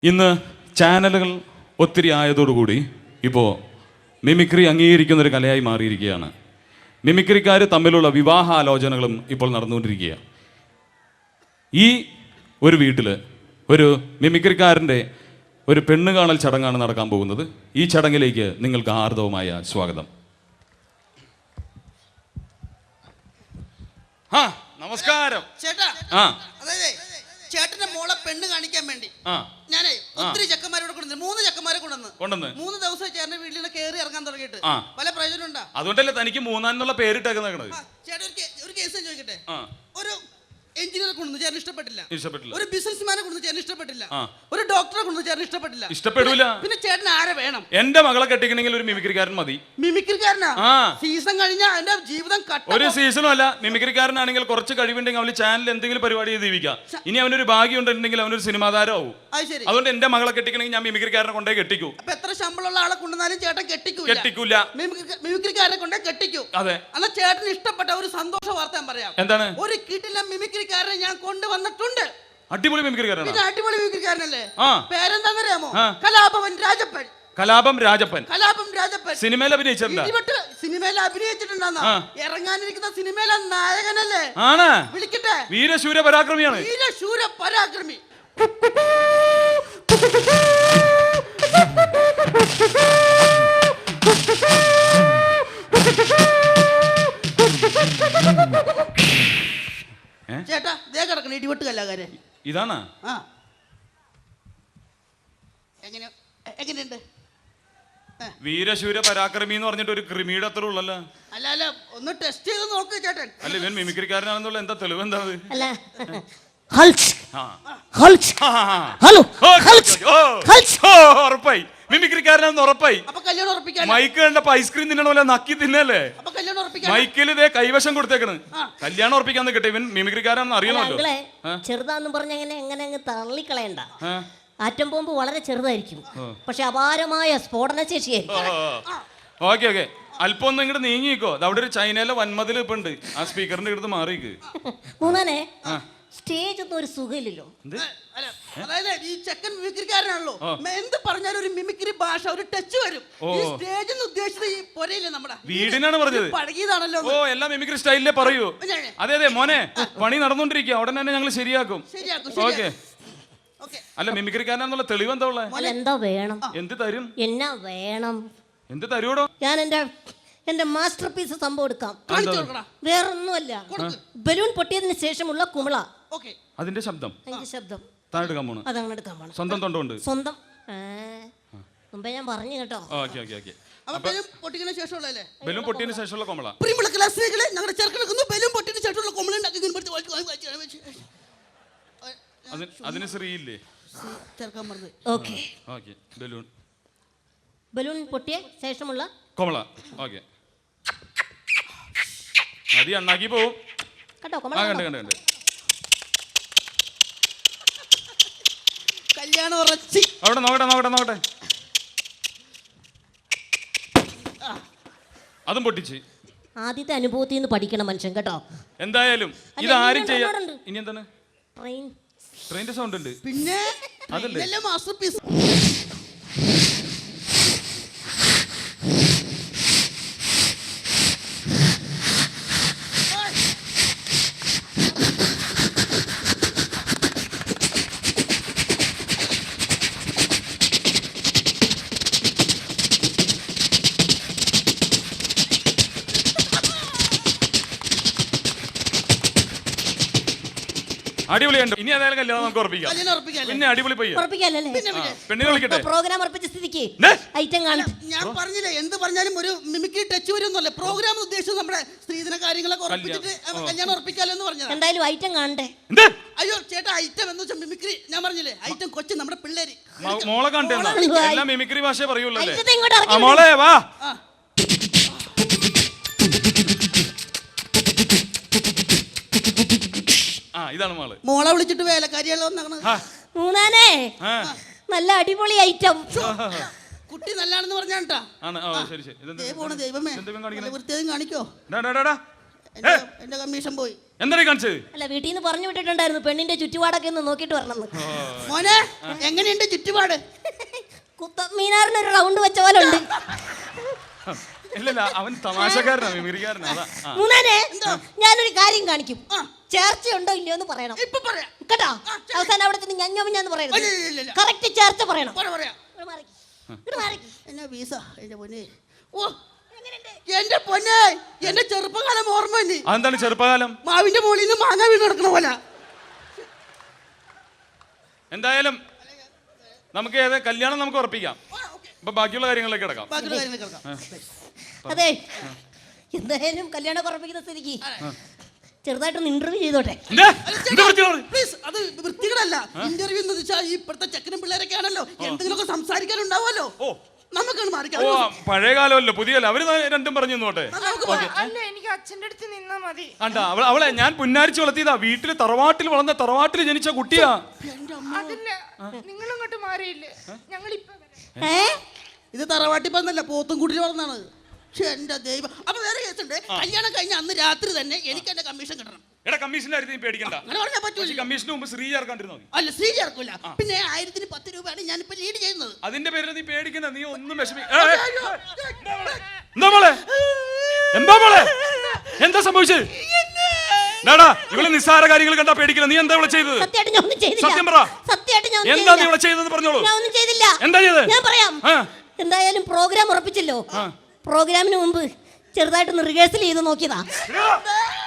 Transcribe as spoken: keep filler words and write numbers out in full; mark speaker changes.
Speaker 1: ഇന്ന് ചാനലുകൾ ഒത്തിരി ആയതോടുകൂടി ഇപ്പോൾ മിമിക്രി അംഗീകരിക്കുന്നൊരു കലയായി മാറിയിരിക്കുകയാണ്. മിമിക്രിക്കാർ തമ്മിലുള്ള വിവാഹാലോചനകളും ഇപ്പോൾ നടന്നുകൊണ്ടിരിക്കുകയാണ്. ഈ ഒരു വീട്ടിൽ ഒരു മിമിക്രിക്കാരൻ്റെ ഒരു പെണ്ണ് കാണൽ ചടങ്ങാണ് നടക്കാൻ പോകുന്നത്. ഈ ചടങ്ങിലേക്ക് നിങ്ങൾക്ക് ഹാർദവമായ സ്വാഗതം. ആ നമസ്കാരം
Speaker 2: ചേട്ടാ.
Speaker 1: ആ
Speaker 2: അതായത് ചേട്ടന്റെ മോളെ പെണ്ണ് കാണിക്കാൻ വേണ്ടി
Speaker 1: ആ
Speaker 2: ഞാനേ ഒത്തിരി ചെക്കന്മാരോട് കൊണ്ടുവന്നു. മൂന്ന് ചെക്കന്മാരെ കൊണ്ടുവന്ന്
Speaker 1: കൊണ്ടുവന്ന്
Speaker 2: മൂന്ന് ദിവസം ചേട്ടന്റെ വീട്ടിൽ നിന്ന് കയറി ഇറങ്ങാൻ തുടങ്ങിയിട്ട്
Speaker 1: ആ.
Speaker 2: പല പ്രയോജനം ഉണ്ടാ.
Speaker 1: അതുകൊണ്ടല്ലേ തനിക്ക് മൂന്നാന്നുള്ള പേരിട്ടേക്കുന്നത്.
Speaker 2: ചേട്ടൻ ഒരു കേ- ഒരു കേസ് ഞാൻ ചോദിക്കട്ടെ.
Speaker 1: ആ
Speaker 2: ഒരു എഞ്ചിനീയർ കൊണ്ടു ചേട്ടൻ ഇഷ്ടപ്പെട്ടില്ല.
Speaker 1: ഇഷ്ടപ്പെട്ടില്ല.
Speaker 2: ഒരു ബിസിനസ്മാനെ കൊണ്ടു ചേട്ടൻ ഇഷ്ടപ്പെട്ടില്ല.
Speaker 1: ആ.
Speaker 2: ഒരു ഡോക്ടറെ കൊണ്ടു ചേട്ടൻ ഇഷ്ടപ്പെട്ടില്ല.
Speaker 1: ഇഷ്ടപ്പെടൂല.
Speaker 2: പിന്നെ ചേട്ടൻ ആരെ വേണം?
Speaker 1: എന്റെ മകളെ കെട്ടിക്കണമെങ്കിൽ ഒരു മിമിക്രിക്കാരൻ മതി.
Speaker 2: മിമിക്രിക്കാരനാ?
Speaker 1: ആ.
Speaker 2: സീസൺ കഴിഞ്ഞാൽ എന്റെ ജീവിതം കട്ട.
Speaker 1: ഒരു സീസണും അല്ല. മിമിക്രിക്കാരനാണെങ്കിൽ കുറച്ച് കഴിവുണ്ടെങ്കിൽ അവന് ചാനൽ എന്തെങ്കിലും പരിപാടി ചെയ്ത് ജീവിക്കാം. ഇനി അവനൊരു ഭാഗ്യം ഉണ്ടെങ്കിൽ അവനൊരു സിനിമാ താരമാവും.
Speaker 2: അത് ശരി.
Speaker 1: അതുകൊണ്ട് എന്റെ മകളെ കെട്ടിക്കണമെങ്കിൽ ഞാൻ മിമിക്രിക്കാരനെ കൊണ്ടേ കെട്ടിക്കൂ.
Speaker 2: അപ്പൊ എത്ര ശമ്പളമുള്ള ആളെ കൊണ്ടുവന്നാലും ചേട്ടൻ കെട്ടിക്കൂല.
Speaker 1: കെട്ടിക്കൂല.
Speaker 2: മിമിക്രിക്കാരനെ കൊണ്ടേ കെട്ടിക്കൂ.
Speaker 1: അതെ.
Speaker 2: എന്നാ ചേട്ടന് ഇഷ്ടപ്പെട്ട ഒരു സന്തോഷ വാർത്ത ഞാൻ പറയാം.
Speaker 1: എന്താണ്?
Speaker 2: ഒരു കിട്ടില്ല മിമിക്രിക്കാരനെ ഞാൻ കൊണ്ടുവന്നിട്ടുണ്ട്.
Speaker 1: അടിപൊളി മിമിക്രിക്കാരനാണ്.
Speaker 2: പിന്നെ അടിപൊളി മിമിക്രിക്കാരനല്ലേ?
Speaker 1: ആ.
Speaker 2: പേരെന്താന്നറിയാമോ?
Speaker 1: ആ.
Speaker 2: കലാഭവൻ രാജപ്പൻ.
Speaker 1: കലാപം രാജപ്പൻ.
Speaker 2: കലാപം രാജപ്പൻ
Speaker 1: സിനിമയിൽ അഭിനയിച്ചിട്ടുണ്ട്.
Speaker 2: ഇടിവെട്ട് സിനിമയിൽ അഭിനയിച്ചിട്ടുണ്ടെന്നാ.
Speaker 1: ആ.
Speaker 2: ഇറങ്ങാനിരിക്കുന്ന സിനിമയിലെ നായകനല്ലേ?
Speaker 1: ആണ്.
Speaker 2: വിളിക്കട്ടെ.
Speaker 1: വീരശൂര പരാക്രമിയാണ്.
Speaker 2: വീരശൂര പരാക്രമി. ചേട്ടാ ദേ കിടക്കണ ഇടിവെട്ട് കലാകാരൻ.
Speaker 1: ഇതാണ്.
Speaker 2: ആ എങ്ങനെ എങ്ങനെയുണ്ട്?
Speaker 1: വീരശൂര പരാക്രമി എന്ന് പറഞ്ഞിട്ട് ഒരു ക്രിമിയുടെ അത്ര ഉള്ളല്ലോ.
Speaker 2: അല്ല അല്ല ഒന്ന് ടെസ്റ്റ് ചെയ്ത് നോക്ക് ചേട്ടൻ.
Speaker 1: അല്ല ഇവൻ മിമിക്രിക്കാരനാണെന്നുള്ള എന്താ തെളിവ്? എന്താ അത്?
Speaker 3: അല്ല ഹൾച്ച്
Speaker 1: ആ.
Speaker 3: ഹൾച്ച്
Speaker 1: ആ, ആ, ആ.
Speaker 3: ഹലോ
Speaker 1: ഓ,
Speaker 3: ഹൾച്ച്
Speaker 1: ഓ,
Speaker 3: ഹൾച്ച്
Speaker 1: ഓ, ഉറപ്പായി മിമിക്രിക്കാരനാണെന്ന് ഉറപ്പായി.
Speaker 2: അപ്പൊ കല്യാണം ഉറപ്പിക്കാൻ.
Speaker 1: മൈക്ക് കണ്ടപ്പോ ഐസ്ക്രീം തിന്നണ പോലെ നക്കി തിന്നല്ലേ.
Speaker 2: അപ്പൊ കല്യാണം ഉറപ്പിക്കാൻ.
Speaker 1: മൈക്കിൽ ഇതേ കൈവശം കൊടുത്തേക്കണ്.
Speaker 2: ആ.
Speaker 1: കല്യാണം ഉറപ്പിക്കാൻ നിൽക്കട്ടെ. ഇവൻ മിമിക്രിക്കാരാണെന്ന് അറിയണമല്ലോ.
Speaker 3: അങ്ങളെ ചെറുതാന്ന് പറഞ്ഞ എങ്ങനെ എങ്ങനെ അങ്ങ് തള്ളിക്കളയണ്ട.
Speaker 1: ആ.
Speaker 3: ആറ്റം ബോംബ് വളരെ ചെറുതായിരിക്കും, പക്ഷെ അപാരമായ സ്ഫോടന ശേഷിയായിരിക്കും.
Speaker 1: ഓക്കെ ഓക്കെ അല്പം ഒന്ന് ഇങ്ങോട്ട് നീങ്ങിക്കോ. അവിടെ ഒരു ചൈനയിലെ വൻമതിൽ ഇപ്പൊ ഉണ്ട്. ആ സ്പീക്കറിന്റെ അടുത്ത് മാറിക്ക്.
Speaker 3: മൂന്നാനെ സ്റ്റേജ് ഒന്നും ഒരു സുഖമില്ലല്ലോ.
Speaker 2: അല്ല, അതായത് ഈ ചെക്കൻ മിമിക്രിക്കാരനാണല്ലോ. എന്ത് പറഞ്ഞാലും ഒരു മിമിക്രി ഭാഷ ഒരു ടച്ച് വരും. ഈ സ്റ്റേജ് എന്ന് ഉദ്ദേശിച്ചത് ഈ പൊരയില്ലേ നമ്മുടെ
Speaker 1: വീടിനാണ് പറഞ്ഞത്.
Speaker 2: പഴകിയതാണല്ലോ.
Speaker 1: ഓ എല്ലാം മിമിക്രി സ്റ്റൈലിലേ പറയൂ. അതെ അതെ മോനെ, പണി നടന്നുകൊണ്ടിരിക്കുക. ഉടനെ തന്നെ ഞങ്ങൾ ശരിയാക്കും.
Speaker 2: ശരിയാക്കും.
Speaker 1: ഓക്കെ. അല്ല മിമിക്രിക്കാരനാന്നുള്ള തെളിവ് എന്താ ഉള്ളത്?
Speaker 3: അല്ല എന്താ വേണം?
Speaker 1: എന്ത് തരും?
Speaker 3: എന്നാ വേണം?
Speaker 1: എന്ത് തരൂടോ?
Speaker 3: ഞാൻ എന്റെ എന്റെ മാസ്റ്റർ പീസ് സംഭവം എടുക്കാം. വേറൊന്നുമല്ല, ബലൂൺ പൊട്ടിയതിന് ശേഷമുള്ള കുമിള.
Speaker 1: അതിന്റെ ശബ്ദം.
Speaker 3: അതിന്റെ ശബ്ദം
Speaker 1: താൻ എടുക്കാൻ പോണു.
Speaker 3: അതങ്ങനെ എടുക്കാൻ പോണം.
Speaker 1: സ്വന്തം തൊണ്ടുണ്ട്.
Speaker 3: സ്വന്തം മുമ്പേ ഞാൻ പറഞ്ഞു കേട്ടോ.
Speaker 1: Okay okay okay.
Speaker 2: പൊട്ടിക്കുന്ന ശേഷമുള്ളല്ലേ?
Speaker 1: ബലൂൺ പൊട്ടിയതിന് ശേഷമുള്ള കൊമള.
Speaker 2: പ്രിയമുള്ള ക്ലാസ്സുകളെ, ഞങ്ങളുടെ ചെറുക്കനൊക്കെ ബലൂൺ പൊട്ടിയതിന് ശേഷമുള്ള കൊമള ഉണ്ടാക്കി.
Speaker 1: അതിന് ശ്രീയില്ലേ?
Speaker 2: ചേർക്കാൻ പറഞ്ഞത്.
Speaker 3: Okay
Speaker 1: okay. ബലൂൺ
Speaker 3: ബലൂൺ പൊട്ടിയ ശേഷമുള്ള
Speaker 1: കൊമള. ഓക്കെ. മതി, അണ്ണാക്കി പോവും
Speaker 3: കേട്ടോ.
Speaker 1: ആ കണ്ട് കണ്ട് കണ്ട്.
Speaker 2: കല്യാണം ഉറച്ചി.
Speaker 1: അവിടെ നോക്കട്ടെ നോക്കട്ടെ നോക്കട്ടെ. അതും പൊട്ടിച്ച്.
Speaker 3: ആദ്യത്തെ അനുഭവത്തിൽ നിന്ന് പഠിക്കണം മനുഷ്യൻ കേട്ടോ.
Speaker 1: എന്തായാലും ഇത് ആരും ചെയ്യാം. ഇനി എന്താണ്?
Speaker 3: ട്രെയിൻ
Speaker 1: ട്രെയിനിന്റെ സൗണ്ട് ഉണ്ട്.
Speaker 2: പിന്നെ
Speaker 1: അതല്ലേ
Speaker 2: മാസ്റ്റർ പീസ്.
Speaker 1: അടിപൊളിയുണ്ട്. ഇനി ഏതായാലും കല്യാണം നമുക്ക് ഉറപ്പിക്കാം. പിന്നെ അടിപൊളി പയ്യ പെണ്ണിനെ വിളിക്കട്ടെ.
Speaker 3: പ്രോഗ്രാം ഉറപ്പിച്ച സ്ഥിതിക്ക് ഐറ്റം കാണും.
Speaker 2: ഞാൻ പറഞ്ഞില്ലേ, എന്ത് പറഞ്ഞാലും ഒരു മിമിക്രി ടച്ച് വരുന്നല്ലേ. പ്രോഗ്രാം ഉദ്ദേശിച്ചത് നമ്മുടെ സ്ത്രീധന കാര്യങ്ങളൊക്കെ ഉറപ്പിച്ചിട്ട് കല്യാണം ഉറപ്പിക്കാലോ എന്ന് പറഞ്ഞത്.
Speaker 3: എന്തായാലും ഐറ്റം കാണണ്ടേ?
Speaker 2: അയ്യോ ചേട്ടാ, ഐറ്റം എന്ന് വെച്ചാൽ മിമിക്രി. ഞാൻ പറഞ്ഞില്ലേ ഐറ്റം കൊച്ചു നമ്മുടെ പിള്ളേര്.
Speaker 1: മോളെ കണ്ടേ? എല്ലാം മിമിക്രി ഭാഷ പറയുള്ളൂ.
Speaker 3: ഇങ്ങോട്ട്
Speaker 1: മോളെ വാ. ആ ഇതാണ് മോള്.
Speaker 2: മോളെ വിളിച്ചിട്ട് വേലക്കാരിയാളോ എന്നാണ്.
Speaker 3: മൂന്നാനേ നല്ല അടിപൊളി ഐറ്റം.
Speaker 2: കുട്ടി നല്ലാണെന്ന് പറഞ്ഞാട്ടാ.
Speaker 1: ആണ്. ഓ ശരി ശരി.
Speaker 2: ദൈവമേ, വൃത്തിയും കാണിക്കോ. എന്റെ എന്റെ കമ്മീഷൻ പോയി.
Speaker 1: എന്താണ് കാണിച്ചത്?
Speaker 3: അല്ല വീട്ടിൽ നിന്ന് പറഞ്ഞു വിട്ടിട്ടുണ്ടായിരുന്നു പെണ്ണിന്റെ ചുറ്റുപാടൊക്കെ ഒന്ന് നോക്കിയിട്ട് വരണമെന്ന്.
Speaker 2: മോനെ എങ്ങനെയുണ്ട് ചുറ്റുപാട്?
Speaker 3: കുത്തമ്മീനാറിന് ഒരു റൗണ്ട് വെച്ച പോലെ ഉണ്ട്.
Speaker 1: ഇല്ലല്ല, അവൻ തമാശക്കാരനാ, മിമിക്രിക്കാരനാ. അതാ. ആ.
Speaker 3: മൂന്നാനെ ഞാനൊരു കാര്യം കാണിക്കും. ചേർച്ച ഉണ്ടോ ഇല്ലയോ എന്ന് പറയണം.
Speaker 2: ഇപ്പൊ പറയാം
Speaker 3: കേട്ടോ? അവസാനം അവിടെ ചെന്ന് ഞഞ്ഞോമിഞ്ഞാന്ന് പറയരുത്.
Speaker 2: ഇല്ല, ഇല്ല, ഇല്ല.
Speaker 3: കറക്റ്റ് ചേർച്ച പറയണം.
Speaker 2: പറയാം പറയാം.
Speaker 3: ഇങ്ങട് മാറിക്ക്. ഇങ്ങട് മാറിക്ക്.
Speaker 2: എന്നാ വീസ എന്റെ പൊന്നെ. ഓ എന്റെ പൊന്നെ, എന്റെ ചെറുപ്പകാലം ഓർമ്മ തന്നെ.
Speaker 1: അതെന്താണ് ചെറുപ്പകാലം?
Speaker 2: മാവിന്റെ മുകളിൽ നിന്ന് മാങ്ങ വീണ് നടക്കണ പോലെ.
Speaker 1: എന്തായാലും നമുക്ക് ഏത് കല്യാണം നമുക്ക് ഉറപ്പിക്കാം. അപ്പൊ ബാക്കിയുള്ള കാര്യങ്ങളിലേക്ക് കിടക്കാം.
Speaker 2: ബാക്കിയുള്ള കാര്യങ്ങൾ കേൾക്കാം.
Speaker 3: അതെ, എന്തായാലും കല്യാണം ഉറപ്പിക്കുന്ന സ്ഥിതിക്ക് ചെറുതായിട്ടൊന്ന് ഇന്റർവ്യൂ ചെയ്തോട്ടെ.
Speaker 2: പ്ലീസ്, അത് വൃത്തികളല്ല. ഇന്റർവ്യൂ എന്ന് വെച്ചാൽ ഈ ഇപ്പോഴത്തെ ചെക്കനും പിള്ളേരൊക്കെ ആണല്ലോ, എന്തെങ്കിലുമൊക്കെ സംസാരിക്കാനുണ്ടാവുമല്ലോ. നമുക്കാണ് മാറിക്കാം.
Speaker 1: ഓ പഴയ കാലമല്ലോ, പുതിയല്ല. അവര് രണ്ടും പറഞ്ഞു നോട്ടെ.
Speaker 4: അല്ല, എനിക്ക് അച്ഛന്റെ അടുത്ത് നിന്നാ മതി.
Speaker 1: ആണ്ടാ അവളെ അവളെ ഞാൻ പുന്നാരിച്ച് വളർത്തിയതാ. വീട്ടില് തറവാട്ടിൽ വളർന്ന തറവാട്ടിൽ ജനിച്ച കുട്ടിയാ.
Speaker 4: അതല്ല, നിങ്ങൾ ഇങ്ങോട്ട് മാറിയില്ലേ? ഞങ്ങൾ ഇപ്പൊ
Speaker 2: ഇത് തറവാട്ടിപ്പന്നല്ല, പോത്തും കൂട്ടി വളർന്നാണ്. എന്റെ ദൈവം. അപ്പൊ വേറെ കേസുണ്ട്. കല്യാണം കഴിഞ്ഞ അന്ന് രാത്രി തന്നെ എനിക്ക് എന്റെ കമ്മീഷൻ കിട്ടണം.
Speaker 1: എടാ കമ്മീഷന്റെ കാര്യത്തിൽ നീ പേടിക്കണ്ട.
Speaker 2: അങ്ങനെ പറഞ്ഞാൽ പറ്റൂല.
Speaker 1: കമ്മീഷന് മുമ്പ് ശ്രീ ചേർക്കാണ്ടിരുന്നോ?
Speaker 2: അല്ല, ശ്രീ ചേർക്കൂല. പിന്നെ ആയിരത്തിന് പത്ത് രൂപയാണ് ഞാനിപ്പോ ലീഡ് ചെയ്യുന്നത്.
Speaker 1: അതിന്റെ പേരിൽ നീ പേടിക്കണ്ട. നീ ഒന്നും വിഷമി. എന്താ മോളെ? എന്താ മോളെ? എന്താ സംഭവിച്ചത്? ഇവള് നിസ്സാര കാര്യങ്ങൾ കണ്ടാ പേടിക്കില്ല. നീ എന്താ ഇവിടെ ചെയ്തത്?
Speaker 3: സത്യമായിട്ട് ഞാൻ ഒന്നും ചെയ്തില്ല.
Speaker 1: സത്യം പറ.
Speaker 3: സത്യമായിട്ട് ഞാൻ
Speaker 1: എന്താ നീ ഇവിടെ ചെയ്തതെന്ന് പറഞ്ഞോളൂ.
Speaker 3: ഞാൻ ഒന്നും ചെയ്തില്ല.
Speaker 1: എന്താ ചെയ്തത്?
Speaker 3: ഞാൻ പറയാം. എന്തായാലും പ്രോഗ്രാം ഉറപ്പിച്ചല്ലോ. പ്രോഗ്രാമിന് മുമ്പ് ചെറുതായിട്ടൊന്ന് റിഹേഴ്സൽ ചെയ്ത് നോക്കിയതാ.